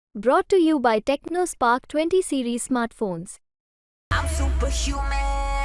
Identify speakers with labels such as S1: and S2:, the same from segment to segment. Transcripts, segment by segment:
S1: Brought to you by TechnoSpark 20 series smartphones.
S2: I'm superhuman.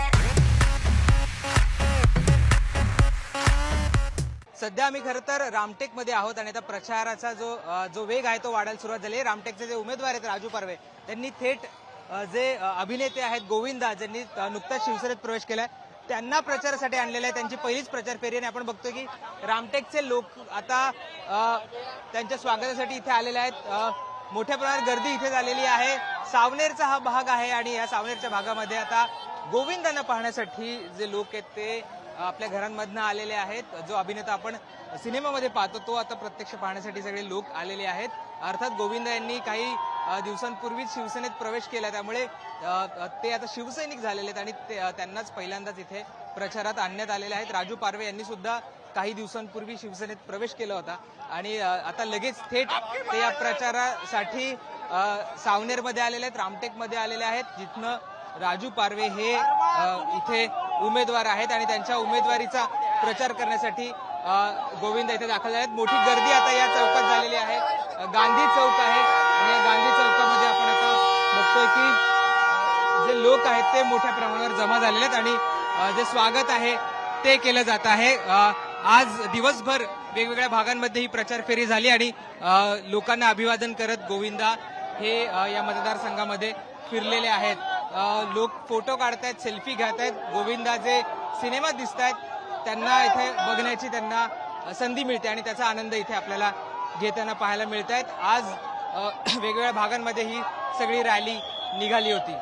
S3: सध्या आम्ही खरं तर रामटेकमध्ये आहोत आणि आता प्रचाराचा जो वेग आहे तो वाढायला सुरुवात झाली आहे. रामटेकचे जे उमेदवार आहेत राजू पारवे त्यांनी थेट जे अभिनेते आहेत गोविंदा ज्यांनी नुकताच शिवसेनेत प्रवेश केलाय त्यांना प्रचारासाठी आणलेलं आहे. त्यांची पहिलीच प्रचार फेरी आणि आपण बघतोय की रामटेकचे लोक आता त्यांच्या स्वागतासाठी इथे आलेले आहेत. मोठ्या प्रमाणात गर्दी इथे झालेली आहे. सावनेरचा हा भाग आहे आणि या सावनेरच्या भागामध्ये आता गोविंदांना पाहण्यासाठी जे लोक आहेत ते आपल्या घरांमधनं आलेले आहेत. जो अभिनेता आपण सिनेमामध्ये पाहतो तो आता प्रत्यक्ष पाहण्यासाठी सगळे लोक आलेले आहेत. अर्थात गोविंदा यांनी काही दिवसांपूर्वीच शिवसेनेत प्रवेश केला त्यामुळे ते आता शिवसैनिक झालेले आहेत आणि त्यांनाच पहिल्यांदाच इथे प्रचारात आणण्यात आलेले आहेत. राजू पारवे यांनी सुद्धा काही दिवसांपूर्वी शिवसेनेत प्रवेश केला होता आणि आता लगेच थेट ते या प्रचारासाठी सावनेरमध्ये आलेले आहेत, रामटेकमध्ये आलेले आहेत, जिथनं राजू पारवे हे इथे उमेदवार आहेत आणि त्यांच्या उमेदवारीचा प्रचार करण्यासाठी गोविंद इथे दाखल झाले आहेत. मोठी गर्दी आता या चौकात झालेली आहे. गांधी चौक आहे आणि या गांधी चौकामध्ये आपण आता बघतोय की जे लोक आहेत ते मोठ्या प्रमाणावर जमा झालेले आहेत आणि जे स्वागत आहे ते केलं जात आहे. आज दिवसभर वेगवेगळ्या भागांमध्ये ही प्रचार फेरी झाली आणि लोकांना अभिवादन करत गोविंदा हे या मतदारसंघामध्ये फिरलेले आहेत. लोक फोटो काढतायत, सेल्फी घेत आहेत. गोविंदा जे सिनेमात दिसत आहेत त्यांना इथे बघण्याची त्यांना संधी मिळते आणि त्याचा आनंद इथे आपल्याला घेताना पाहायला मिळत आहेत. आज वेगवेगळ्या भागांमध्ये ही सगळी रॅली निघाली होती.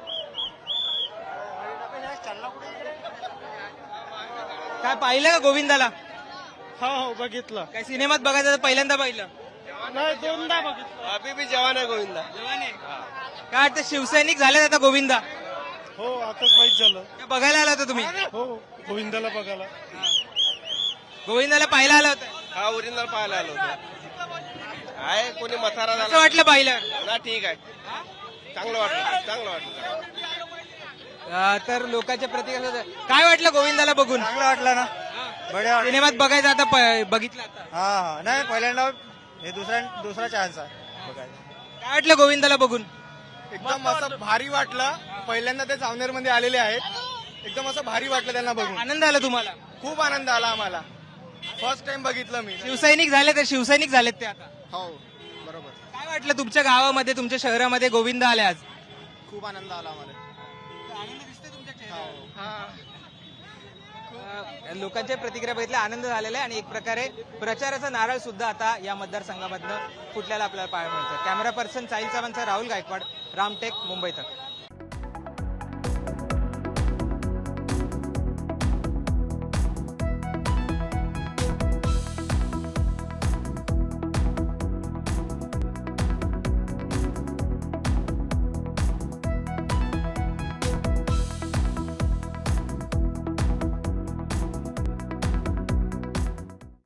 S3: काय पाहिलं का गोविंदाला?
S4: हो बघितलं.
S3: काय सिनेमात बघायचं तर पहिल्यांदा पाहिलं?
S4: नाही दोनदा बघितलं.
S5: अभी भी जवान आहे गोविंदा.
S3: जवान आहे. काय वाटतं शिवसैनिक झाले आता गोविंदा?
S4: हो आताच माहित झालं.
S3: काय बघायला आला होता तुम्ही?
S4: हो गोविंदाला बघायला.
S3: गोविंदाला पाहायला आला होता?
S5: हा ओरिजिनल पाहायला आलो होतो. आहे कोणी मथारा
S3: कसं
S5: झाला
S3: वाटलं पाहिलं?
S5: ना? ठीक आहे, चांगलं वाटलं, चांगलं वाटलं.
S3: तर लोकांच्या प्रतिक्रिया काय वाटलं गोविंदाला बघून?
S6: चांगलं वाटलं ना. बढिया.
S3: सिनेमात बघायचं आता बघितलं आता
S6: हा नाही पहिल्यांदा हे दुसरा चान्स आहे बघायला.
S3: काय वाटलं गोविंदाला बघून?
S6: एकदम असं भारी वाटलं. पहिल्यांदा ते सावनेर मध्ये आलेले आहेत. एकदम असं भारी वाटलं त्यांना बघून.
S3: आनंद आला तुम्हाला?
S6: खूप आनंद आला आम्हाला. फर्स्ट टाइम बघितलं मी.
S3: शिवसैनिक झाले तर शिवसैनिक झालेत ते आता.
S6: हो बरोबर.
S3: काय वाटलं तुमच्या गावामध्ये तुमच्या शहरामध्ये गोविंद आले आज?
S6: खूप आनंद आला आम्हाला.
S3: आनंद दिसतोय तुमच्या चेहऱ्यावर? लोकांच्या प्रतिक्रिया बघितल्या, आनंद झालेला आहे आणि एक प्रकारे प्रचाराचा नारळ सुद्धा आता या मतदारसंघामधनं फुटल्याला आपल्याला पाहायला मिळतं. कॅमेरा पर्सन साहिल चव्हाणचा राहुल गायकवाड, रामटेक, मुंबई तक.